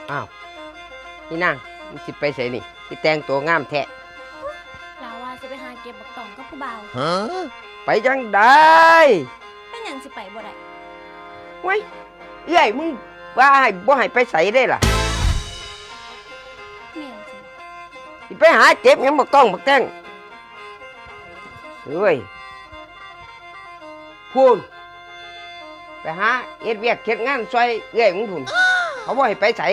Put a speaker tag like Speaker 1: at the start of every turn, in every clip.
Speaker 1: อ้าวนี่นางมันสิไปใส่นี่สิแต่งตัวงามแท้
Speaker 2: เราว่าจะไปหาเก็บบักตองกับผู้บ่าว
Speaker 1: ไปจังได้
Speaker 2: เป็นหยังสิไปบ่ได้
Speaker 1: เว้ยเอ้ยมึงว่าให้บ่ให้ไปใส่ได้ล่ะ
Speaker 2: แม่นสิ
Speaker 1: สิไปหาเก็บหยังบักต้องบักแตงเอ้ยพูนไปหาเอ็ดเวียกเฮ็ดงานซอยเอ้ยมึงพูนเขาบ่ให้ไปใส่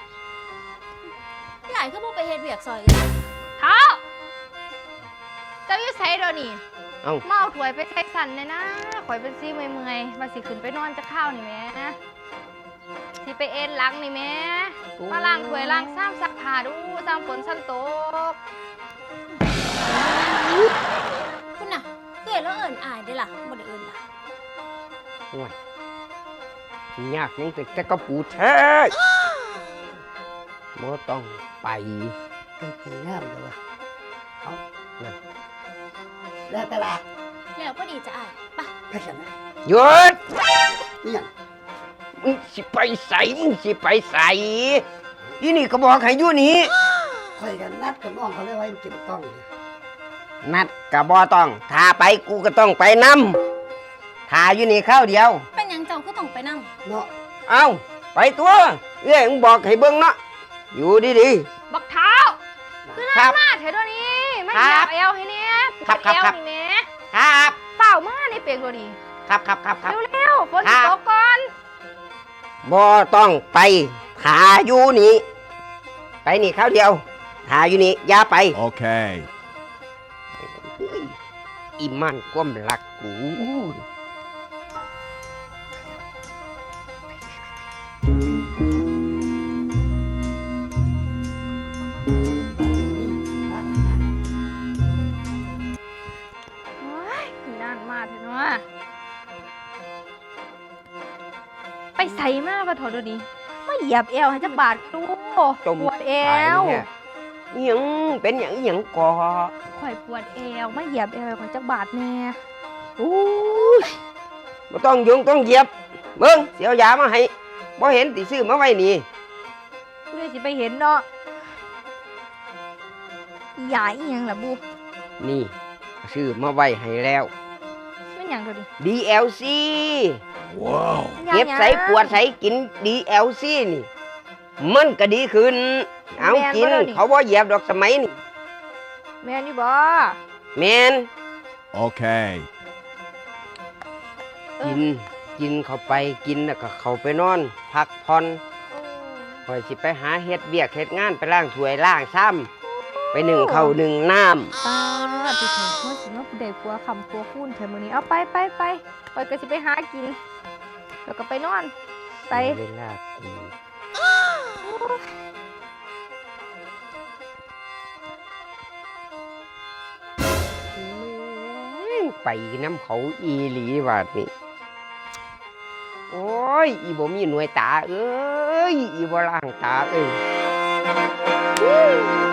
Speaker 2: หลายคือบ่ไปเฮ็ดเวียกซอยเอ้ย
Speaker 3: เท้าเจ้าอยู่ไสเดี๋ยวนี้
Speaker 1: เอ้า
Speaker 3: เมาถวยไปใส่สันเลยนะข่อยเป็นซี่เมื่อยๆว่าสิขึ้นไปนอนจะข้าวนี่แม่สิไปเอ็นหลังนี่แม่มาล้างถวยล้างซ้ำซักผ้าดูซ้ำฝนซ้ำตก
Speaker 2: คุณน่ะเอ้ยแล้วเอิ้นอายได้ล่ะบ่ได้เอิ้นล่ะ
Speaker 1: โอ้ยยากยังแต่กระปูแท้บ่ต้องไป
Speaker 4: ก็คืองามเลยวะเอา
Speaker 1: นั่น
Speaker 4: แล้วตลาด
Speaker 2: แล้วก็ดีจะอายปะ
Speaker 4: ไปฉันนะ
Speaker 1: หยุด
Speaker 4: นี่ยัง
Speaker 1: มึงสิไปใส่มึงสิไปใส่อีนี่ก็บอกให้อยู่นี่
Speaker 4: คอยกันนัดกับน้องเขาเลยไว้เก็บต้องเนี่ย
Speaker 1: นัดก็บ่ต้องถ้าไปกูก็ต้องไปนำถ้าอยู่นี่ข้าวเดียว
Speaker 2: เป็นหยังเจ้าก็ต้องไปนำ
Speaker 4: เนาะ
Speaker 1: เอ้าไปตัวเอ้ยมึงบอกให้เบิ่งเนาะอยู่ดี
Speaker 3: บักเท้าคือ
Speaker 1: ครั
Speaker 3: น่า
Speaker 1: บ
Speaker 3: มาเถอะเดี๋ยวนี้ไม่
Speaker 1: ครั
Speaker 3: อยา
Speaker 1: บ
Speaker 3: กเอวให้เนี่ยป
Speaker 1: ครั
Speaker 3: ว
Speaker 1: บ
Speaker 3: ด
Speaker 1: ครับ
Speaker 3: เอว
Speaker 1: ครับ
Speaker 3: นี่แม่
Speaker 1: ๆครับ
Speaker 3: เฝ้ามาในเปียกตัวนี้
Speaker 1: ครับ
Speaker 3: เร็วๆฝน
Speaker 1: ครั
Speaker 3: จะ
Speaker 1: บ
Speaker 3: ตกก่อน
Speaker 1: บ่ต้องไปถ้าอยู่นี่ไปนี่ข้าวเดียวถ้าอยู่นี่อย่าไป
Speaker 5: Okay.
Speaker 1: เฮ้ยอีมันความรักกู
Speaker 3: โอ้ยนานมาเถอะเนาะไปใส่มาปะเถอะเดี๋ยวนี้มาเหยียบเอวให้จักบาทดู
Speaker 1: จม
Speaker 3: ปวดเอ
Speaker 1: ตายว เนี่ยอิหยังเป็นหยังก่อ
Speaker 3: ข่อยปวดเอวมาเหยียบเอวให้ข่อยจักบาทแน่
Speaker 1: อู้ยบ่ต้องยุงต้องเหยียบเบิ่งเสียวยามาให้บ่เห็นติซื้อมาไว้นี่
Speaker 3: กูเลยสิไปเห็นเนาะยาอีหยังล่ะบู
Speaker 1: นี่ซื้อมาไว้ให้แล้ว
Speaker 3: เป็นหยังเดี๋ยวนี้
Speaker 1: DLC
Speaker 5: Wow.
Speaker 1: เก็บใส่ปวดใส่กิน DLC นี่ มันก็ดีขึ้นเอากินเขาบ่เหยียบดอกสมัยนี่
Speaker 3: แม่นอยู่บ่
Speaker 1: แม่น
Speaker 5: Okay.
Speaker 1: กินเข้าไปกินแล้วก็เข้าไปนอน พักผ่อนคอยสิไปหาเฮ็ดเวียกเฮ็ดงานไปล้างถ้วยล้างซ้ำไปนึ่งข้าวนึ่งน้ำ
Speaker 3: ป้าติเถอะเมื่อสิมาเด็กกลัวคำกลัวคูนเถอะมื้อนี้เอาไปไปก็สิไปหากิน แล้วก็ไปนอน ไป
Speaker 1: เวลากูไปน้ำเขาอีหลีบาดนี่โอ้ยอีบ่มีหน่วยตาเอ้ยอีบ่ล่างตาเอ้ย